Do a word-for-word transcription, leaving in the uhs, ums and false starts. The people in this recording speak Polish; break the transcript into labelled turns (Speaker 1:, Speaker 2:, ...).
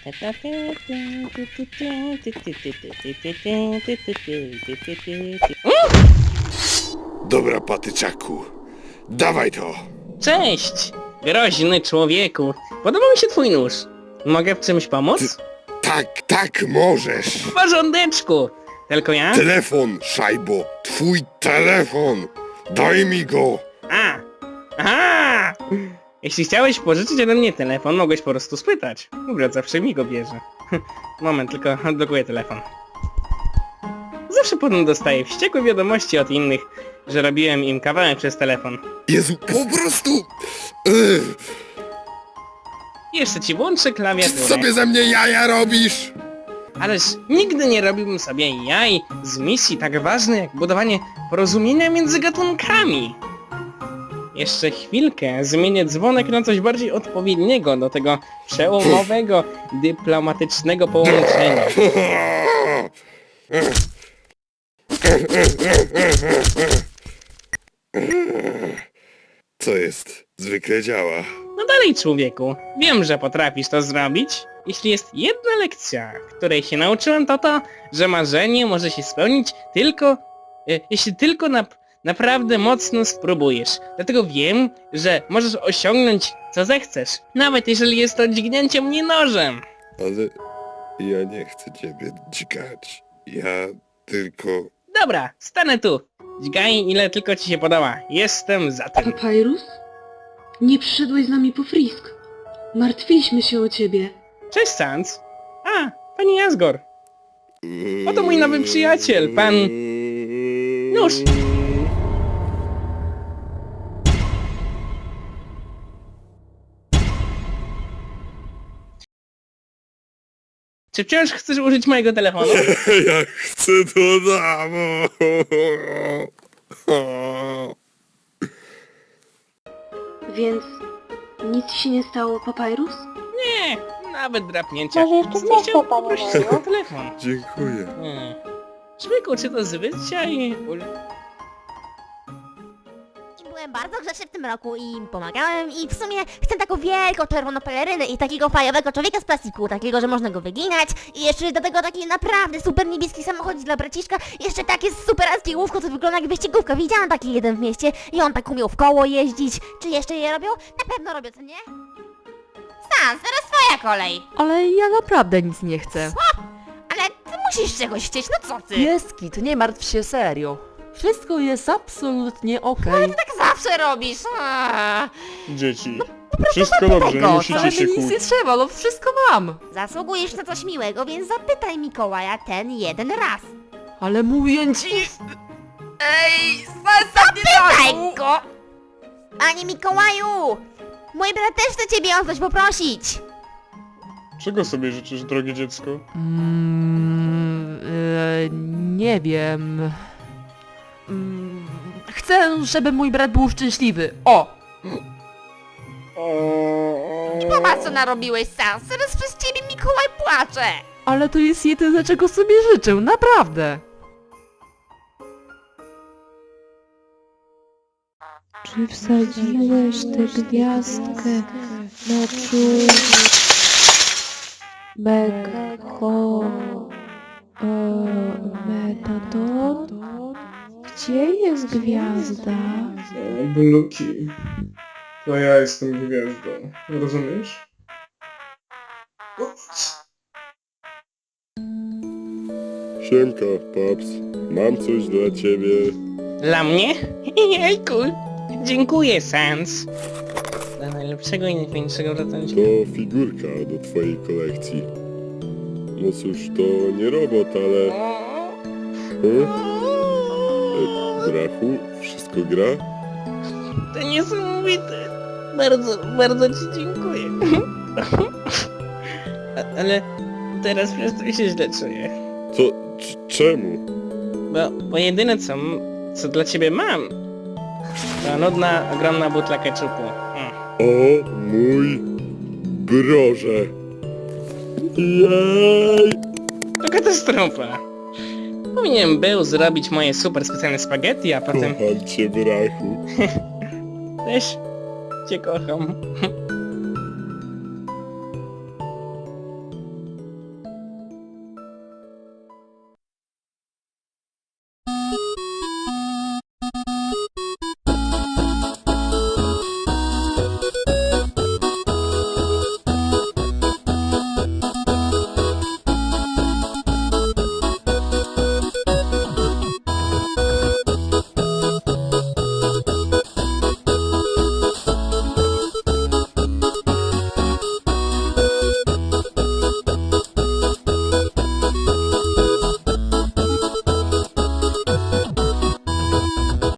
Speaker 1: Dobra, patyczaku. Dawaj to!
Speaker 2: Cześć, groźny człowieku. Podoba mi się twój nóż. Mogę w czymś pomóc?
Speaker 1: Tak, tak możesz!
Speaker 2: W porządeczku. Tylko ja?
Speaker 1: Telefon, szajbo! Twój telefon! Daj mi go!
Speaker 2: A! Aha! Jeśli chciałeś pożyczyć ode mnie telefon, mogłeś po prostu spytać. Brat zawsze mi go bierze. Moment, tylko odblokuję telefon. Zawsze potem dostaję wściekłe wiadomości od innych, że robiłem im kawałek przez telefon.
Speaker 1: Jezu, po prostu... Ugh.
Speaker 2: Jeszcze ci włączę
Speaker 1: Ty
Speaker 2: klawiaturę.
Speaker 1: sobie ze mnie jaja robisz!
Speaker 2: Ależ nigdy nie robiłbym sobie jaj z misji tak ważnej jak budowanie porozumienia między gatunkami. Jeszcze chwilkę zmienię dzwonek na coś bardziej odpowiedniego do tego przełomowego, dyplomatycznego połączenia.
Speaker 1: Co jest? Zwykle działa.
Speaker 2: No dalej, człowieku. Wiem, że potrafisz to zrobić. Jeśli jest jedna lekcja, której się nauczyłem, to to, że marzenie może się spełnić tylko, e, jeśli tylko na, naprawdę mocno spróbujesz. Dlatego wiem, że możesz osiągnąć co zechcesz, nawet jeżeli jest to dźgnięcie mnie nożem.
Speaker 1: Ale ja nie chcę ciebie dźgać. Ja tylko...
Speaker 2: Dobra, stanę tu. Dźgaj ile tylko ci się podoba. Jestem za tym.
Speaker 3: Papyrus? Nie przyszedłeś z nami po Frisk. Martwiliśmy się o ciebie.
Speaker 2: Cześć, Sans. A, pani Asgore. Oto mój nowy przyjaciel, pan... Nóż. Czy wciąż chcesz użyć mojego telefonu?
Speaker 1: Ja chcę to damo.
Speaker 3: Więc nic ci się nie stało, Papyrus?
Speaker 2: Nie, nawet drapnięcia.
Speaker 4: Może jeszcze
Speaker 2: Nie chciał
Speaker 4: zechce, panie
Speaker 2: poprosić
Speaker 4: Bogu?
Speaker 2: o telefon.
Speaker 1: Dziękuję.
Speaker 2: Hmm. Szwyku, czy to zwyczaj?
Speaker 4: Byłem bardzo grzeczny w tym roku i im pomagałem i w sumie chcę taką wielką czerwoną pelerynę i takiego fajowego człowieka z plastiku, takiego, że można go wyginać i jeszcze do tego taki naprawdę super niebieski samochód dla braciszka, jeszcze takie superackie łówko, co wygląda jak wyścigówka. Widziałam taki jeden w mieście i on tak umiał w koło jeździć. Czy jeszcze je robią? Na pewno robią, co nie? Sans, teraz twoja kolej.
Speaker 5: Ale ja naprawdę nic nie chcę.
Speaker 4: Ale ty musisz czegoś chcieć, no co ty?
Speaker 5: Pieski, to nie martw się serio. Wszystko jest absolutnie okej.
Speaker 4: Tak zawsze robisz. Aaa.
Speaker 6: Dzieci. Wszystko dobrze, nie
Speaker 4: tego,
Speaker 6: musicie
Speaker 5: Ale
Speaker 6: się
Speaker 5: mi nic nie
Speaker 6: kłócić.
Speaker 5: trzeba, no wszystko mam.
Speaker 4: Zasługujesz na coś miłego, więc zapytaj Mikołaja ten jeden raz.
Speaker 5: Ale mówię ci... Ej, zostaw mnie
Speaker 4: Daj
Speaker 5: taką!
Speaker 4: go! Panie Mikołaju! Mój brat też chce ciebie o coś poprosić.
Speaker 6: Czego sobie życzysz, drogie dziecko?
Speaker 5: Mm, e, nie wiem... Mm, chcę, żeby mój brat był szczęśliwy. O!
Speaker 4: Popatrz co narobiłeś, Sans. Teraz przez ciebie Mikołaj płacze.
Speaker 5: Ale to jest jedyne, czego sobie życzę, naprawdę.
Speaker 7: Czy wsadziłeś tę gwiazdkę na czół Mekko e, Metadon? Gdzie jest gwiazda?
Speaker 6: Bluki. To ja jestem gwiazdą. Rozumiesz?
Speaker 1: Siemka, paps. Mam coś dla ciebie.
Speaker 2: Dla mnie? Jejku! Dziękuję, Sans. Dla najlepszego i najfajniejszego ratownika.
Speaker 1: To figurka do twojej kolekcji. No cóż, to nie robot, ale... Hmm? E, Brachu, wszystko gra?
Speaker 2: To niesamowite. Bardzo, bardzo ci dziękuję. A, ale teraz przez to się źle czuję.
Speaker 1: To... c- czemu?
Speaker 2: Bo, bo jedyne co, m- co dla ciebie mam, to nudna, ogromna butla keczupu. Mm.
Speaker 1: O mój broże! Jej!
Speaker 2: To katastrofa. Powinien był zrobić moje super specjalne spaghetti, a potem
Speaker 1: Kocham cię, brachu.
Speaker 2: też cię kocham.